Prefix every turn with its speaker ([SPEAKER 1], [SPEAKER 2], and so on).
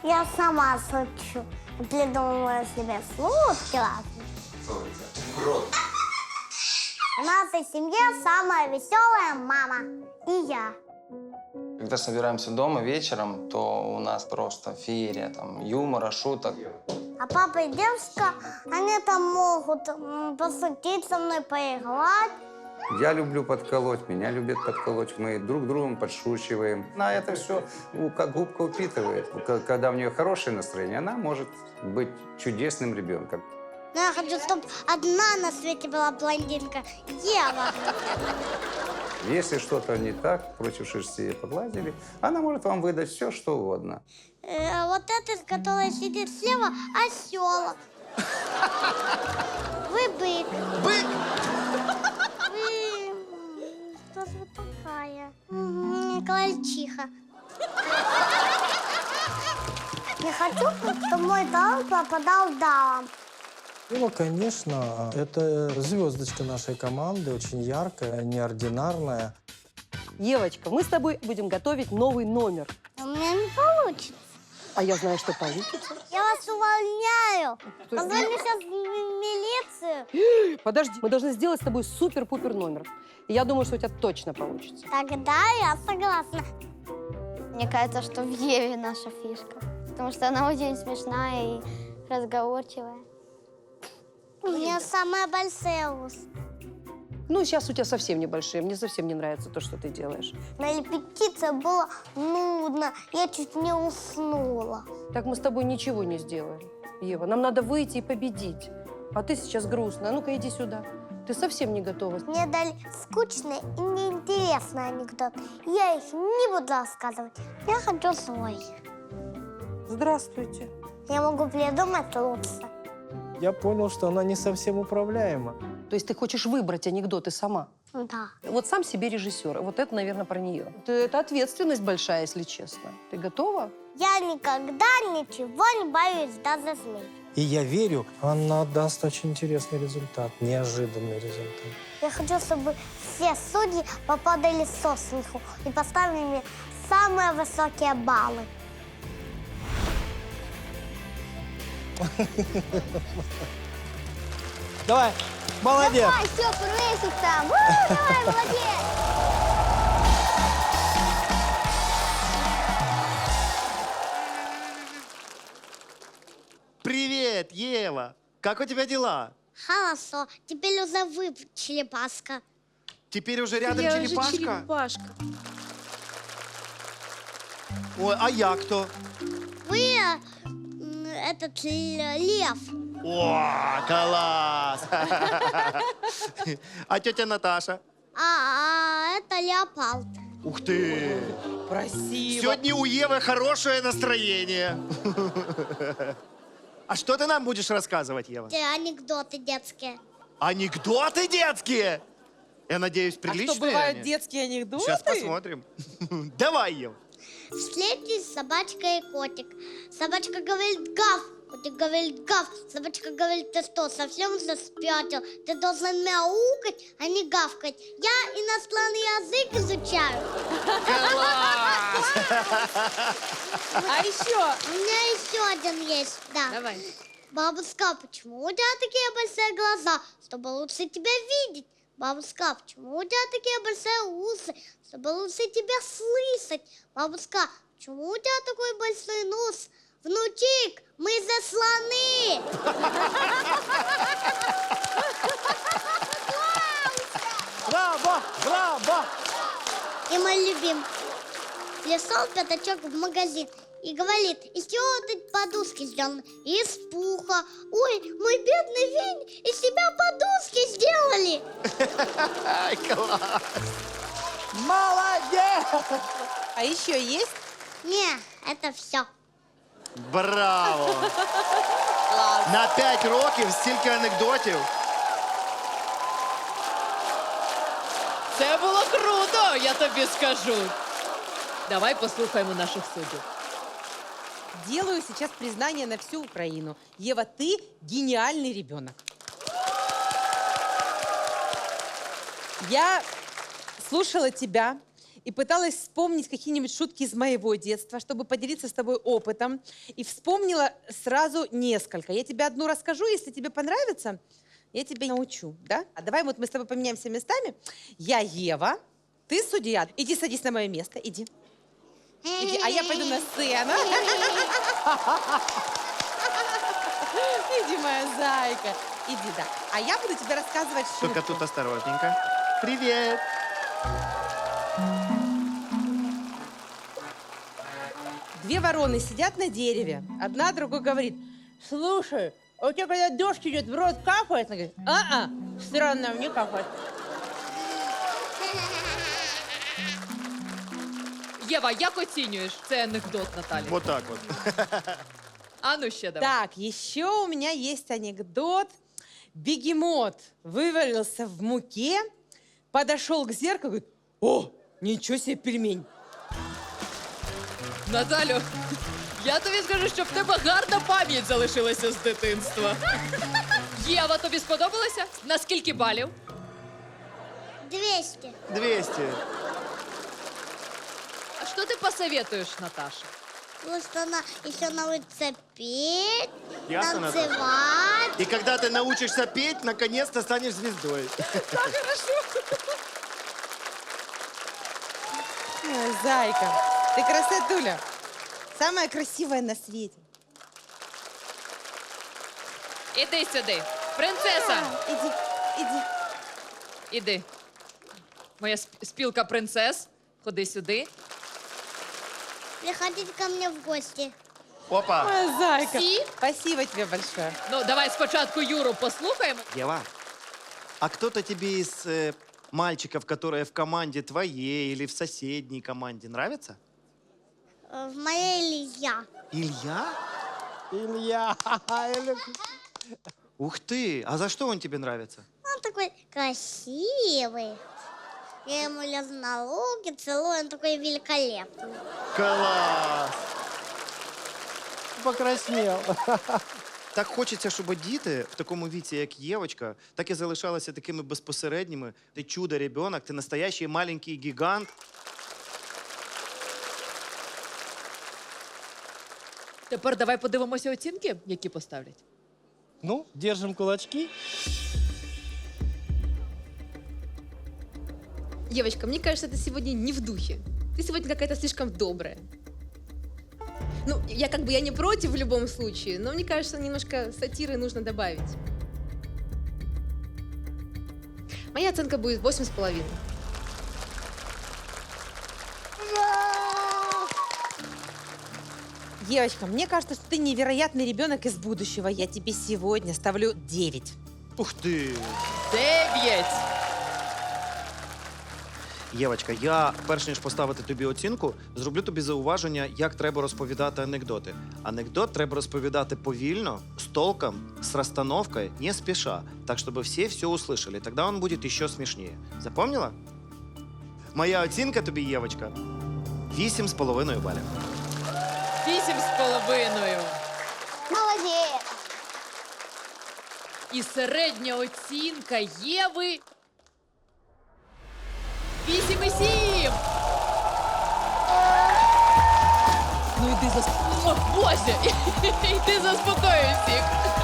[SPEAKER 1] Я сама шучу. Придумываю себе шутки разные.
[SPEAKER 2] В рот.
[SPEAKER 1] В нашей семье самая веселая мама. И я.
[SPEAKER 3] Когда собираемся дома вечером, то у нас просто феерия там юмора, шуток.
[SPEAKER 1] А папа и девушка, они там могут пошутить со мной, поиграть.
[SPEAKER 4] Я люблю подколоть, меня любят подколоть. Мы друг другом подшучиваем. Она это все как губка впитывает. Когда у нее хорошее настроение, она может быть чудесным ребенком.
[SPEAKER 1] Но я хочу, чтобы одна на свете была блондинка. Ева.
[SPEAKER 4] Если что-то не так, против шерсти погладили, она может вам выдать все, что угодно.
[SPEAKER 1] Вот этот, который сидит слева, осел. Вы бык.
[SPEAKER 2] Бык!
[SPEAKER 1] Вы... Кто же вы такая? Крольчиха. Не хочу, чтобы мой талант пропадал даром.
[SPEAKER 5] Ева, конечно, это звездочка нашей команды, очень яркая, неординарная.
[SPEAKER 6] Евочка, мы с тобой будем готовить новый номер.
[SPEAKER 1] У меня не получится.
[SPEAKER 6] А я знаю, что получится.
[SPEAKER 1] Я вас увольняю. Позвоню сейчас в милицию.
[SPEAKER 6] Подожди, мы должны сделать с тобой супер-пупер номер. И я думаю, что у тебя точно получится.
[SPEAKER 1] Тогда я согласна.
[SPEAKER 7] Мне кажется, что в Еве наша фишка. Потому что она очень смешная и разговорчивая.
[SPEAKER 1] У меня самая большая ус.
[SPEAKER 6] Ну, сейчас у тебя совсем небольшие. Мне совсем не нравится то, что ты делаешь.
[SPEAKER 1] На репетиции было нудно. Я чуть не уснула.
[SPEAKER 6] Так мы с тобой ничего не сделаем. Ева, нам надо выйти и победить. А ты сейчас грустная. Ну-ка, иди сюда. Ты совсем не готова.
[SPEAKER 1] Мне дали скучный и неинтересный анекдот. Я их не буду рассказывать. Я хочу свой.
[SPEAKER 6] Здравствуйте.
[SPEAKER 1] Я могу придумать лучше.
[SPEAKER 5] Я понял, что она не совсем управляема.
[SPEAKER 6] То есть ты хочешь выбрать анекдоты сама?
[SPEAKER 1] Да.
[SPEAKER 6] Вот сам себе режиссер. Вот это, наверное, про нее. Это ответственность большая, если честно. Ты готова?
[SPEAKER 1] Я никогда ничего не боюсь, даже змей.
[SPEAKER 5] И я верю, она даст очень интересный результат, неожиданный результат.
[SPEAKER 1] Я хочу, чтобы все судьи попадали со смеху и поставили мне самые высокие баллы.
[SPEAKER 5] Давай, молодец!
[SPEAKER 7] Давай, все, прыщица! Давай, молодец!
[SPEAKER 2] Привет, Ева! Как у тебя дела?
[SPEAKER 1] Хорошо, теперь уже вы, черепашка.
[SPEAKER 2] Теперь уже рядом черепашка?
[SPEAKER 8] черепашка.
[SPEAKER 2] Ой, а я кто?
[SPEAKER 1] Вы этот лев.
[SPEAKER 2] О, класс! А тетя Наташа?
[SPEAKER 1] А это леопард.
[SPEAKER 2] Ух ты!
[SPEAKER 8] Спасибо.
[SPEAKER 2] Сегодня у Евы хорошее настроение. А что ты нам будешь рассказывать, Ева?
[SPEAKER 1] Те анекдоты детские.
[SPEAKER 2] Анекдоты детские? Я надеюсь, приличные
[SPEAKER 8] А что, бывают
[SPEAKER 2] они?
[SPEAKER 8] детские анекдоты?
[SPEAKER 2] Сейчас посмотрим. Давай, Ева.
[SPEAKER 1] Встретились собачка и котик. Собачка говорит гав, котик говорит гав. Собачка говорит, ты что, совсем уже спятил? Ты должен мяукать, а не гавкать. Я иностранный язык изучаю.
[SPEAKER 8] А еще?
[SPEAKER 1] У меня еще один есть, да.
[SPEAKER 8] Давай.
[SPEAKER 1] Бабушка, почему у тебя такие большие глаза? Чтобы лучше тебя видеть. Бабушка, почему у тебя такие большие усы? Чтобы лучше тебя слышать. Бабушка, почему у тебя такой большой нос? Внучик, мы за слоны.
[SPEAKER 2] Браво! Браво!
[SPEAKER 1] И мой любим. Пришел пятачок в магазин и говорит, из чего тут подушки сделаны? Из пуха. Ой, мой бедный Вень, из себя подушки сделали.
[SPEAKER 2] Ай, класс!
[SPEAKER 5] Молодец!
[SPEAKER 8] А еще есть?
[SPEAKER 1] Не, это все.
[SPEAKER 2] Браво! На 5 років стільки анекдотів.
[SPEAKER 8] Це було круто, я тобі скажу. Давай послухаємо наших суддів.
[SPEAKER 9] Делаю сейчас признание на всю Украину. Ева, ты гениальный ребенок. Я слушала тебя и пыталась вспомнить какие-нибудь шутки из моего детства, чтобы поделиться с тобой опытом. И вспомнила сразу несколько. Я тебе одну расскажу, если тебе понравится, я тебя научу, да? А давай вот мы с тобой поменяемся местами. Я Ева, ты судья. Иди садись на мое место, иди. Иди, а я пойду на сцену. Иди, моя зайка. Иди, да. А я буду тебе рассказывать шутку.
[SPEAKER 2] Только тут осторожненько. Привет.
[SPEAKER 9] Две вороны сидят на дереве. Одна другой говорит: слушай, а у тебя когда дождь идет, в рот капает? Она говорит: странно, мне капает.
[SPEAKER 8] Єва, як оцінюєш цей анекдот, Наталі?
[SPEAKER 2] Вот так вот.
[SPEAKER 8] А ну ще давай.
[SPEAKER 9] Так, еще у меня есть анекдот. Бегемот вывалился в муке, подошел к зеркалу и говорит: о, ничего себе пельмень.
[SPEAKER 8] Наталю, я тобі скажу, що в тебе гарна пам'ять залишилася з дитинства. Єва, тобі сподобалося? На скільки балів?
[SPEAKER 1] 200.
[SPEAKER 2] 200.
[SPEAKER 8] А що ти посоветуєш, Наташе?
[SPEAKER 1] Просто она еще научится петь,
[SPEAKER 2] Ясно, Наташа?
[SPEAKER 1] танцевать.
[SPEAKER 2] И когда ты научишься петь, наконец-то станешь звездой.
[SPEAKER 9] Ой, зайка, ты красотуля. Самая красивая на свете.
[SPEAKER 8] Іди сюди. Принцеса,
[SPEAKER 9] Иди, иди.
[SPEAKER 8] іди. Моя спілка принцес, ходи сюди.
[SPEAKER 1] Приходите ко мне в гости.
[SPEAKER 2] Опа.
[SPEAKER 9] Моя зайка.
[SPEAKER 8] Си?
[SPEAKER 9] Спасибо тебе большое.
[SPEAKER 8] Ну, давай спочатку Юру послухаємо.
[SPEAKER 2] Ева, а кто-то тебе из мальчиков, которые в команде твоей или в соседней команде, нравится?
[SPEAKER 1] В моей Илья.
[SPEAKER 2] Илья?
[SPEAKER 5] Илья!
[SPEAKER 2] Ух ты! А за что он тебе нравится?
[SPEAKER 1] Он такой красивый. Я ему лезу на руки, целую, он такой великолепный.
[SPEAKER 2] Класс!
[SPEAKER 5] Покраснел.
[SPEAKER 2] Так хочеться, щоб діти в такому віці, як Євочка, так і залишалися такими безпосередніми. Ти чудо-ребенок, ти настоящий маленький гігант.
[SPEAKER 8] Тепер давай подивимося оцінки, які поставлять.
[SPEAKER 5] Ну, держим кулачки.
[SPEAKER 10] Девочка, мне кажется, ты сегодня не в духе. Ты сегодня какая-то слишком добрая. Ну, я не против в любом случае, но мне кажется, немножко сатиры нужно добавить. Моя оценка будет 8,5.
[SPEAKER 9] Девочка, мне кажется, что ты невероятный ребенок из будущего. Я тебе сегодня ставлю 9.
[SPEAKER 2] Ух ти!
[SPEAKER 8] 9!
[SPEAKER 2] Євочка, я, перш ніж поставити тобі оцінку, зроблю тобі зауваження, як треба розповідати анекдоти. Анекдот треба розповідати повільно, з толком, з розстановкою, не спіша, так, щоб всі все услышали. Тоді він буде ще смішніше. Запомнила? Моя оцінка тобі, Євочка, 8,5 балів.
[SPEAKER 8] 8,5.
[SPEAKER 7] Молодец.
[SPEAKER 8] І середня оцінка Єви 8,7. Ну йди О, Боже! Йди заспокоюй всіх.